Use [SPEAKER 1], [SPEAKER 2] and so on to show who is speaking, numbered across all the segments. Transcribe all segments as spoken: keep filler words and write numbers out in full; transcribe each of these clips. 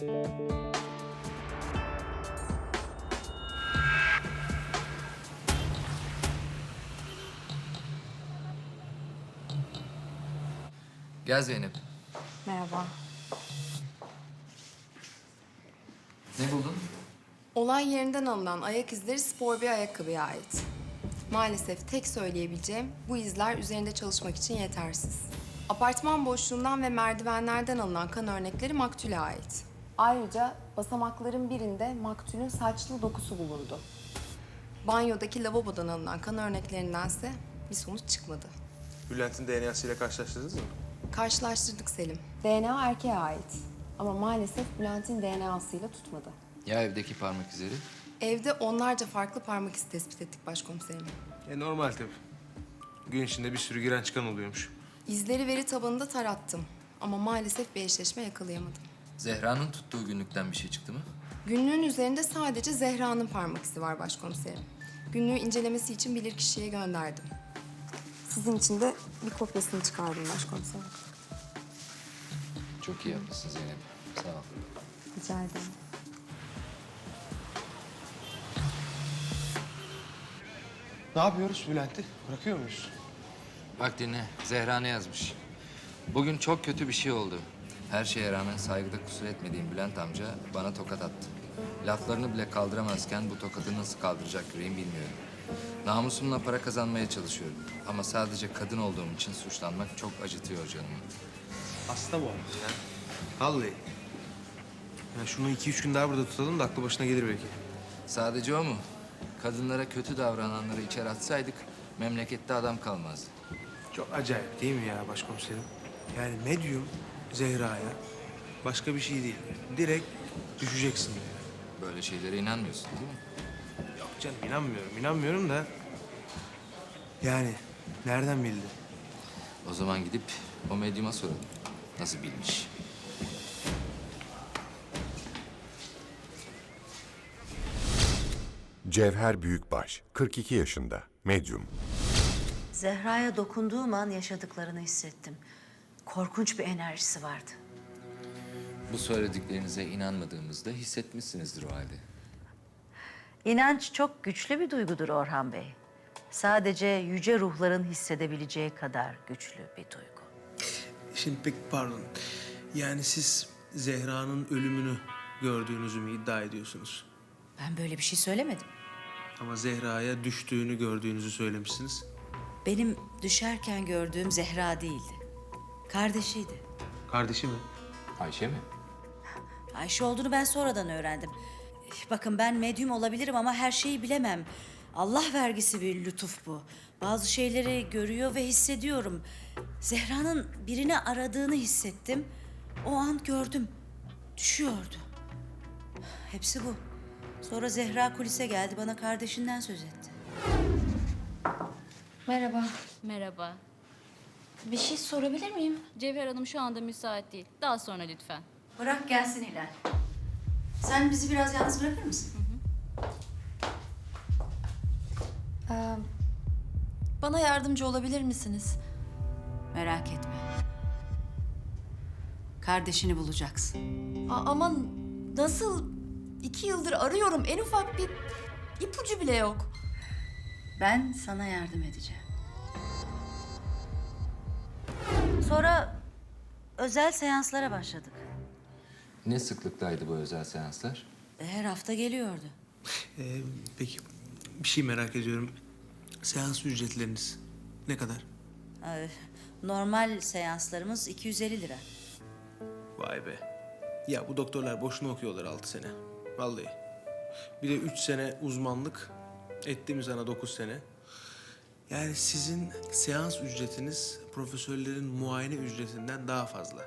[SPEAKER 1] Gel Zeynep.
[SPEAKER 2] Merhaba.
[SPEAKER 1] Ne buldun?
[SPEAKER 2] Olay yerinden alınan ayak izleri spor bir ayakkabıya ait. Maalesef tek söyleyebileceğim bu izler üzerinde çalışmak için yetersiz. Apartman boşluğundan ve merdivenlerden alınan kan örnekleri maktule ait. Ayrıca basamakların birinde maktulün saçlı dokusu bulundu. Banyodaki lavabodan alınan kan örneklerindense bir sonuç çıkmadı.
[SPEAKER 3] Bülent'in D N A'sıyla karşılaştırdınız mı?
[SPEAKER 2] Karşılaştırdık Selim. D N A erkeğe ait. Ama maalesef Bülent'in D N A'sıyla tutmadı.
[SPEAKER 1] Ya evdeki parmak izleri?
[SPEAKER 2] Evde onlarca farklı parmak izi tespit ettik başkomiserim.
[SPEAKER 3] E normal tabii. Gün içinde bir sürü giren çıkan oluyormuş.
[SPEAKER 2] İzleri veri tabanında tarattım. Ama maalesef bir eşleşme yakalayamadım.
[SPEAKER 1] Zehra'nın tuttuğu günlükten bir şey çıktı mı?
[SPEAKER 2] Günlüğün üzerinde sadece Zehra'nın parmak izi var başkomiserim. Günlüğü incelemesi için bilirkişiye gönderdim. Sizin için de bir kopyasını çıkardım başkomiserim.
[SPEAKER 1] Çok iyi yapmışsın Zeynep. Sağ ol.
[SPEAKER 2] Rica ederim.
[SPEAKER 3] Ne yapıyoruz Bülent'i? Bırakıyor muyuz?
[SPEAKER 1] Bak dinle. Zehra ne yazmış? Bugün çok kötü bir şey oldu. Her şeye rağmen saygıda kusur etmediğim Bülent amca bana tokat attı. Laflarını bile kaldıramazken bu tokatı nasıl kaldıracak yüreğim bilmiyorum. Namusumla para kazanmaya çalışıyorum. Ama sadece kadın olduğum için suçlanmak çok acıtıyor canımı.
[SPEAKER 3] Hasta bu arada ya. Vallahi. Ya şunu iki üç gün daha burada tutalım da aklı başına gelir belki.
[SPEAKER 1] Sadece o mu? Kadınlara kötü davrananları içeri atsaydık memlekette adam kalmazdı.
[SPEAKER 3] Çok acayip değil mi ya başkomiserim? Yani medyum Zehra'ya başka bir şey değil. Direkt düşeceksin diyor.
[SPEAKER 1] Böyle şeylere inanmıyorsun değil mi?
[SPEAKER 3] Yok canım inanmıyorum, inanmıyorum da... Yani nereden bildi?
[SPEAKER 1] O zaman gidip o medyuma soralım. Nasıl bilmiş?
[SPEAKER 4] Cevher Büyükbaş, kırk iki yaşında, medyum.
[SPEAKER 5] Zehra'ya dokunduğum an yaşadıklarını hissettim. Korkunç bir enerjisi vardı.
[SPEAKER 1] Bu söylediklerinize inanmadığımızda hissetmişsinizdir o halde.
[SPEAKER 5] İnanç çok güçlü bir duygudur Orhan Bey. Sadece yüce ruhların hissedebileceği kadar güçlü bir duygu.
[SPEAKER 3] Şimdi pek pardon. Yani siz Zehra'nın ölümünü gördüğünüzü mü iddia ediyorsunuz?
[SPEAKER 5] Ben böyle bir şey söylemedim.
[SPEAKER 3] Ama Zehra'ya düştüğünü gördüğünüzü söylemişsiniz.
[SPEAKER 5] Benim düşerken gördüğüm Zehra değildi. Kardeşiydi.
[SPEAKER 3] Kardeşi mi?
[SPEAKER 1] Ayşe mi?
[SPEAKER 5] Ayşe olduğunu ben sonradan öğrendim. Bakın ben medyum olabilirim ama her şeyi bilemem. Allah vergisi bir lütuf bu. Bazı şeyleri görüyor ve hissediyorum. Zehra'nın birini aradığını hissettim. O an gördüm. Düşüyordu. Hepsi bu. Sonra Zehra kulise geldi, bana kardeşinden söz etti.
[SPEAKER 6] Merhaba.
[SPEAKER 7] Merhaba.
[SPEAKER 6] Bir şey sorabilir miyim?
[SPEAKER 7] Cevher Hanım şu anda müsait değil. Daha sonra lütfen.
[SPEAKER 5] Bırak gelsin Hilal. Sen bizi biraz yalnız bırakır mısın?
[SPEAKER 6] Ee, bana yardımcı olabilir misiniz?
[SPEAKER 5] Merak etme. Kardeşini bulacaksın.
[SPEAKER 6] A- aman nasıl? İki yıldır arıyorum. En ufak bir ipucu bile yok.
[SPEAKER 5] Ben sana yardım edeceğim. Sonra özel seanslara başladık.
[SPEAKER 1] Ne sıklıktaydı bu özel seanslar?
[SPEAKER 5] Her hafta geliyordu.
[SPEAKER 3] Ee, peki bir şey merak ediyorum. Seans ücretleriniz ne kadar?
[SPEAKER 5] Ee, Normal seanslarımız iki yüz elli lira.
[SPEAKER 3] Vay be. Ya bu doktorlar boşuna okuyorlar altı sene. Vallahi. Bir de üç sene uzmanlık. Ettiğimiz ana dokuz sene. Yani sizin seans ücretiniz profesörlerin muayene ücretinden daha fazla.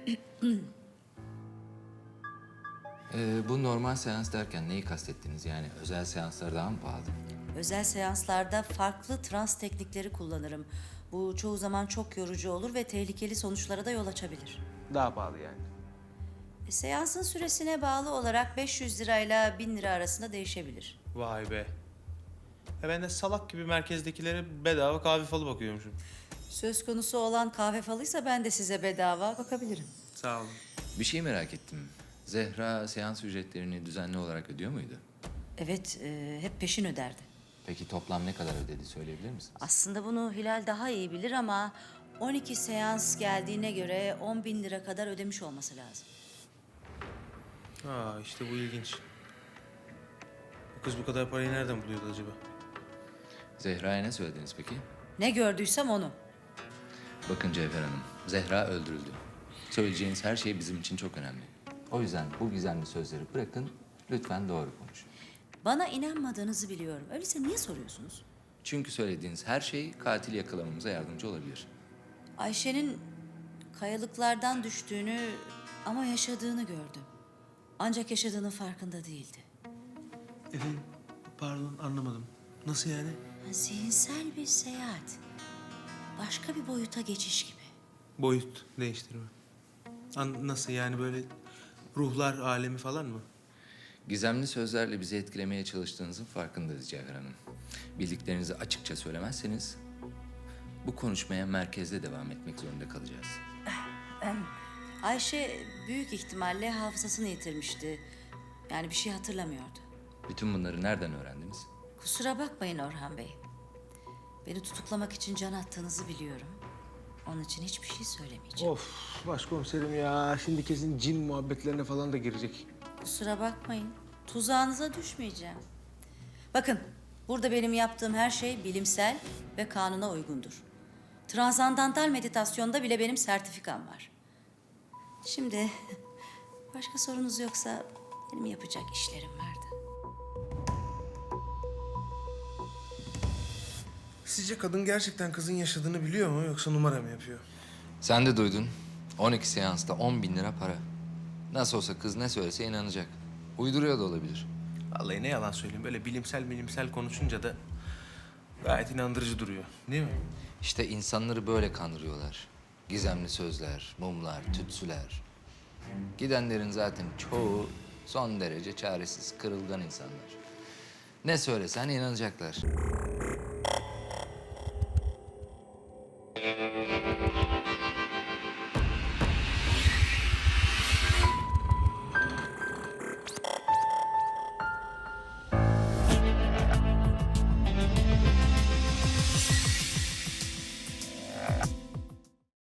[SPEAKER 1] Ee, bu normal seans derken neyi kastettiniz? Yani özel seanslar daha mı pahalı?
[SPEAKER 5] Özel seanslarda farklı trans teknikleri kullanırım. Bu çoğu zaman çok yorucu olur ve tehlikeli sonuçlara da yol açabilir.
[SPEAKER 3] Daha pahalı yani.
[SPEAKER 5] E, seansın süresine bağlı olarak beş yüz lirayla bin lira arasında değişebilir.
[SPEAKER 3] Vay be. Ya ben de salak gibi merkezdekilere bedava kahve falı bakıyormuşum.
[SPEAKER 5] Söz konusu olan kahve falıysa ben de size bedava bakabilirim.
[SPEAKER 3] Sağ olun.
[SPEAKER 1] Bir şey merak ettim. Zehra seans ücretlerini düzenli olarak ödüyor muydu?
[SPEAKER 5] Evet, e, hep peşin öderdi.
[SPEAKER 1] Peki toplam ne kadar ödedi söyleyebilir misiniz?
[SPEAKER 5] Aslında bunu Hilal daha iyi bilir ama on iki seans geldiğine göre on bin lira kadar ödemiş olması lazım.
[SPEAKER 3] Aa işte bu ilginç. Bu kız bu kadar parayı nereden buluyordu acaba?
[SPEAKER 1] Zehra'ya ne söylediniz peki?
[SPEAKER 5] Ne gördüysem onu.
[SPEAKER 1] Bakın Cevher Hanım, Zehra öldürüldü. Söyleyeceğiniz her şey bizim için çok önemli. O yüzden bu gizemli sözleri bırakın, lütfen doğru konuşun.
[SPEAKER 5] Bana inanmadığınızı biliyorum. Öyleyse niye soruyorsunuz?
[SPEAKER 1] Çünkü söylediğiniz her şey katil yakalamamıza yardımcı olabilir.
[SPEAKER 5] Ayşe'nin kayalıklardan düştüğünü ama yaşadığını gördüm. Ancak yaşadığının farkında değildi.
[SPEAKER 3] Efendim pardon anlamadım. Nasıl yani?
[SPEAKER 5] Zihinsel bir seyahat. Başka bir boyuta geçiş gibi.
[SPEAKER 3] Boyut değiştirme. An nasıl yani böyle ruhlar alemi falan mı?
[SPEAKER 1] Gizemli sözlerle bizi etkilemeye çalıştığınızın farkındayız Cevher Hanım. Bildiklerinizi açıkça söylemezseniz bu konuşmaya merkezde devam etmek zorunda kalacağız.
[SPEAKER 5] Ayşe büyük ihtimalle hafızasını yitirmişti. Yani bir şey hatırlamıyordu.
[SPEAKER 1] Bütün bunları nereden öğrendiniz?
[SPEAKER 5] Kusura bakmayın Orhan Bey. Beni tutuklamak için can attığınızı biliyorum. Onun için hiçbir şey söylemeyeceğim.
[SPEAKER 3] Of başkomiserim ya. Şimdi kesin cin muhabbetlerine falan da girecek.
[SPEAKER 5] Kusura bakmayın. Tuzağınıza düşmeyeceğim. Bakın, burada benim yaptığım her şey bilimsel ve kanuna uygundur. Transandantal meditasyonda bile benim sertifikam var. Şimdi başka sorunuz yoksa benim yapacak işlerim vardı.
[SPEAKER 3] Sizce kadın gerçekten kızın yaşadığını biliyor mu yoksa numara mı yapıyor?
[SPEAKER 1] Sen de duydun. on iki seansta on bin lira para. Nasıl olsa kız ne söylese inanacak. Uyduruyor da olabilir.
[SPEAKER 3] Vallahi ne yalan söyleyeyim böyle bilimsel bilimsel konuşunca da gayet inandırıcı duruyor. Değil mi?
[SPEAKER 1] İşte insanları böyle kandırıyorlar. Gizemli sözler, mumlar, tütsüler. Gidenlerin zaten çoğu son derece çaresiz, kırılgan insanlar. Ne söylesen inanacaklar.